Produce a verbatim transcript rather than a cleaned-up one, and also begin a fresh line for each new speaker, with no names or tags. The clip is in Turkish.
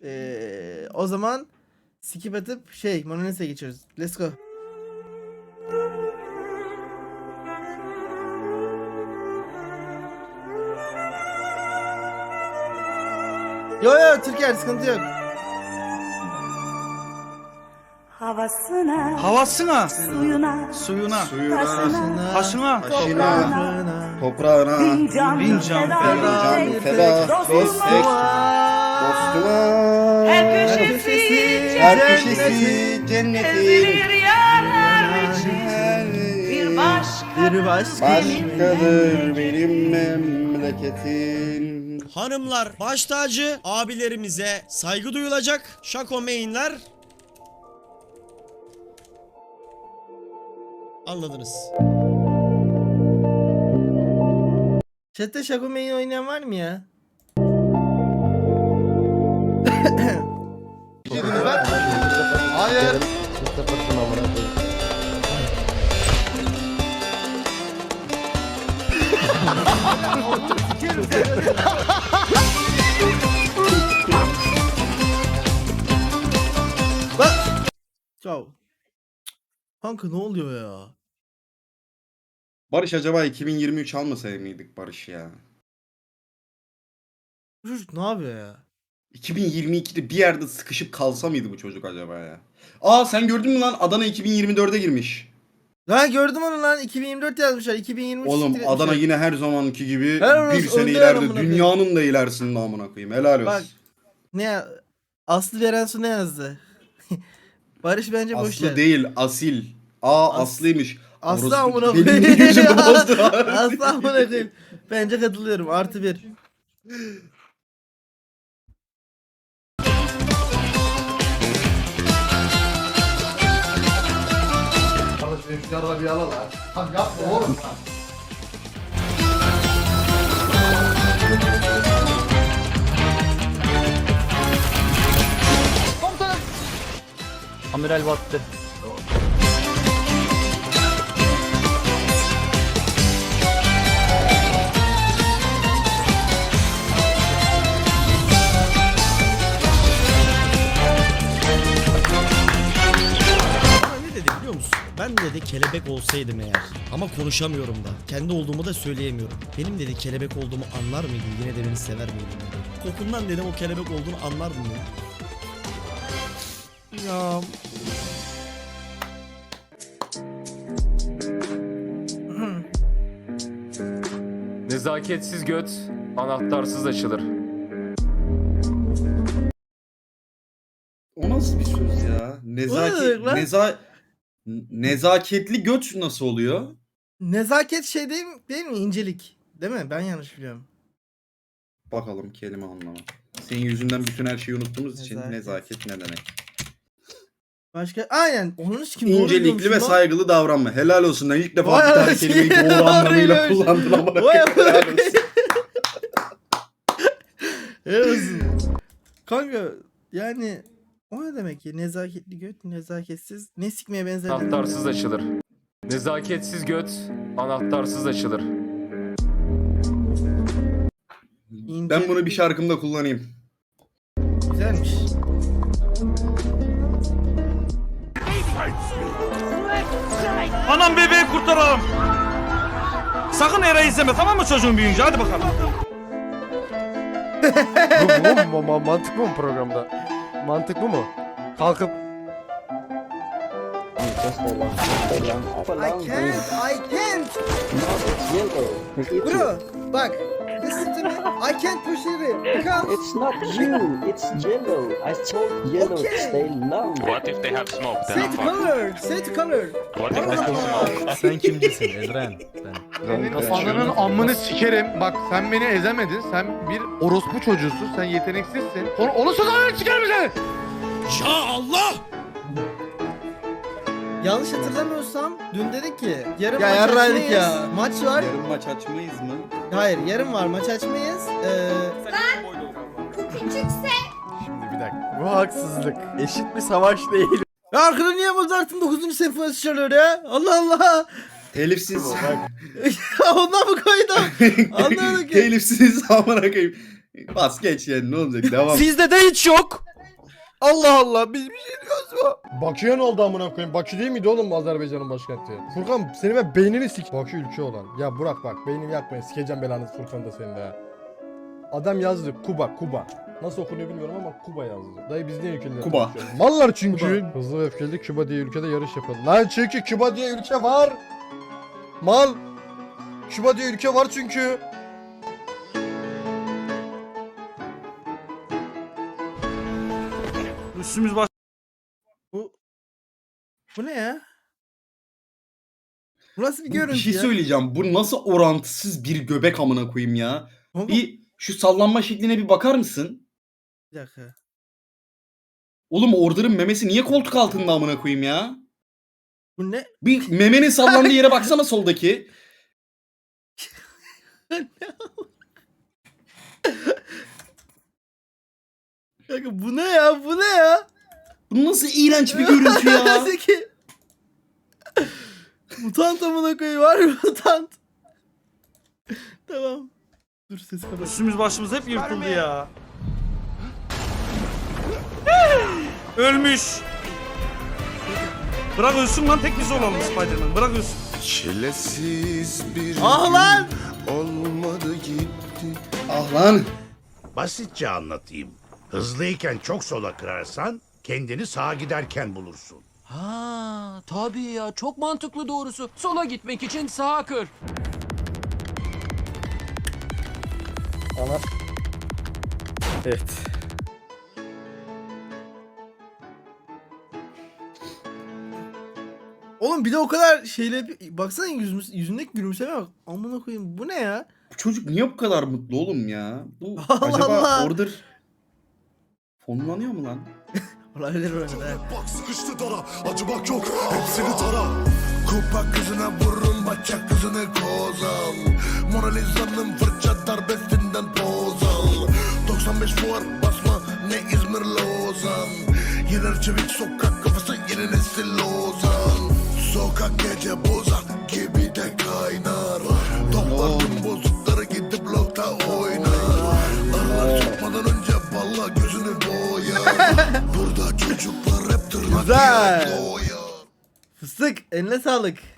Ee, o zaman skip atıp şey Mona Lisa'ya geçiyoruz. Let's go. Yo yo Türkiye sıkıntı yok.
Havasına,
Havasına,
suyuna,
suyuna,
taşına,
taşına,
toprağına,
Toprağına
bin can,
bin can
feda,
feda,
bir
feda,
tek
bir
dostuma.
tek dostuma.
Her köşesi
Her
cennetin,
köşesi cennetin.
ezilir yanar için. Bir başka,
Bir başka.
Başkadır benim memleketim.
Hanımlar baş tacı, abilerimize saygı duyulacak. Şako mainler. Anladınız.
Chat'te Shaco Main oynayan var mı ya?
Hayır.
Bak. Ciao. Kanka ne oluyor ya?
Barış acaba iki bin yirmi üç almasaydı mıydık Barış ya?
Bu çocuk ne yapıyor ya?
iki bin yirmi ikide bir yerde sıkışıp kalsa mıydı bu çocuk acaba ya? Aa sen gördün mü lan Adana iki bin yirmi dörde girmiş.
Lan gördüm onu lan iki bin yirmi dört yazmışlar iki bin yirmi üç
Oğlum
siktir
Adana
etmişler.
yine her zamanki gibi
Helal
bir
olsun,
sene
önde
ileride.
amına koyayım.
Dünyanın da ilerisinde amına koyayım. Helal olsun.
Bak ne ya? Aslı Verensu ne yazdı? Barış bence boş
Aslı
ver.
değil asil. Aa
As-
Aslı'ymış.
Aslı
Orospu-
amına
Benim
koyayım.
gözüm bozdu abi.
Aslı amına koyayım. Bence katılıyorum artı bir.
Kardeşim şu yarıda bir ala lan. Tam yapma oğlum.
Amiral battı.
Bana ne dedi biliyor musun? Ben dedi kelebek olsaydım eğer. Ama konuşamıyorum da. Kendi olduğumu da söyleyemiyorum. Benim dedi kelebek olduğumu anlar mıydın? Yine de beni sever miydin dedi. Kokundan dedim o kelebek olduğunu anlardın dedi. Ya
Nezaketsiz göt anahtarsız açılır.
O nasıl bir söz ya?
O ne
Nezaket,
demek lan?
neza, nezaketli göt nasıl oluyor?
Nezaket şey değil mi, değil mi? İncelik. Değil mi? Ben yanlış biliyorum.
Bakalım kelime anlamı. Senin yüzünden bütün her şeyi unuttuğumuz için
Nezaket.
nezaket ne demek?
Başka aynen onun kim doğru
İncelikli
biliyormuşum
ve
lan.
saygılı davranma. Helal olsun lan. İlk defa
Vay
bir tane
anasını
kelimeyi
ya,
doğru anlamıyla
harbi
kullandın ama.
Vay
Helal
amına
olsun.
Evet olsun. Kanka yani o ne demek ya? Nezaketli göt, nezaketsiz. Ne sikmeye benzer?
Anahtarsız açılır. Nezaketsiz göt anahtarsız açılır.
İnce-
Ben bunu bir şarkımda kullanayım.
Güzelmiş.
Anam bebeği kurtaralım. Sakın Eray'ı izleme tamam mı çocuğun büyüyünce hadi bakalım.
Bu, bu, bu mantık bu mu programda? Mantık bu mu? Kalkıp
I can't, I can't. Bro, bak. Listen to me. I can't push it because
It's not you, it's yellow. I told yellow
Okay.
to stay long.
What if they have smoke then?
set color, set color.
What if they have smoke?
Sen kimcisin Ezren?
kafanın amını sikerim. Bak sen beni ezemedin. Sen bir orospu çocuğusun. Sen yeteneksizsin. Onu, onu sözlerine sikerim seni.
ya Allah!
Yanlış hatırlamıyorsam dün dedik ki yarın
Ya
maç
yarraydık
açmayız.
ya.
Maç var.
Yarın maç açmayız mı?
Hayır, yarın var maç açmayız. Ee,
Şimdi bir dakika. Bu haksızlık. Eşit bir savaş değil.
ya arkada niye Mozart'ın dokuzuncu senfonisi çalıyor ya? Allah Allah.
Telifsiz.
Ondan mı koydum? Anlamadım ki.
Telifsiz amına koyayım. Bas geç yani ne olacak devam.
Sizde de hiç yok.
Allah Allah biz bir şey diyoruz mu?
Bakü'ye ne oldu amına koyayım? Bakü değil miydi oğlum bu Azerbaycan'ın başkenti? Furkan seni ben beynini sik. Bakü ülke olan. Ya Burak bak beynimi yakmayın. Sikeceğim belanı Furkan da senin de ya. Adam yazdı Kuba Kuba. Nasıl okunuyor bilmiyorum ama Kuba yazdı. Dayı biz niye ülkeleri
Kuba.
konuşuyoruz? Mallar çünkü.
Kuba.
Hızlı ve öfkeli Küba diye ülkede yarış yapıldı. Lan çünkü Küba diye ülke var. Mal. Küba diye ülke var çünkü.
Üstümüz baş...
Bu bu ne ya? Bu nasıl bir
Bu
görüntü
bir şey
ya?
söyleyeceğim. Bu nasıl orantısız bir göbek amına koyayım ya.
Kanka,
Bir şu sallanma şekline bir bakar mısın?
bir dakika.
Oğlum Order'ın memesi niye koltuk altında amına koyayım ya?
Bu ne?
Bir memenin sallandığı yere baksana soldaki.
Kanka bu ne ya? Bu ne ya?
Bu nasıl iğrenç bir görüntü ya?
Nasıl ki? Mutant amına koyayım var mı mutant? Tamam. Dur ses kapat.
Üstümüz başımız hep yırtıldı ya. Ölmüş. Bırak ölsün lan, tek biz olalım Spider-Man. Bırak ölsün.
Çilesiz bir
Ah lan!
olmadı gitti.
Ah lan.
Basitçe anlatayım. Hızlıyken çok sola kırarsan kendini sağa giderken bulursun.
Ha, tabii ya çok mantıklı doğrusu. Sola gitmek için sağa kır.
Ana.
Evet. Oğlum bir de o kadar şeyle baksana yüzümüz, yüzündeki gülümseme bak. Amına koyayım bu ne ya?
Bu çocuk niye bu kadar mutlu oğlum ya? Bu
Allah
acaba
Allah.
Order fonlanıyor mu lan?
Olabilir öyle de.
Bak sıkıştı dara, acımak yok, hepsini tara. Kupa kızına vurun, bacak kızını kozal. Mona Lisa'nın fırça darbesinden poz al. doksan beş fuar basma, ne İzmir Lozan. Yener çevik sokak kafası, yeni nesil Lozan. Sokak gece bozak gibi de kaynar. Toplar tüm bozukları gidip blokta oynar. Arılar sokmadan önce balla gözünü boyar. Burada çocuklar hep tırnak
Güzel.
yiyor, doyar.
Fıstık eline sağlık.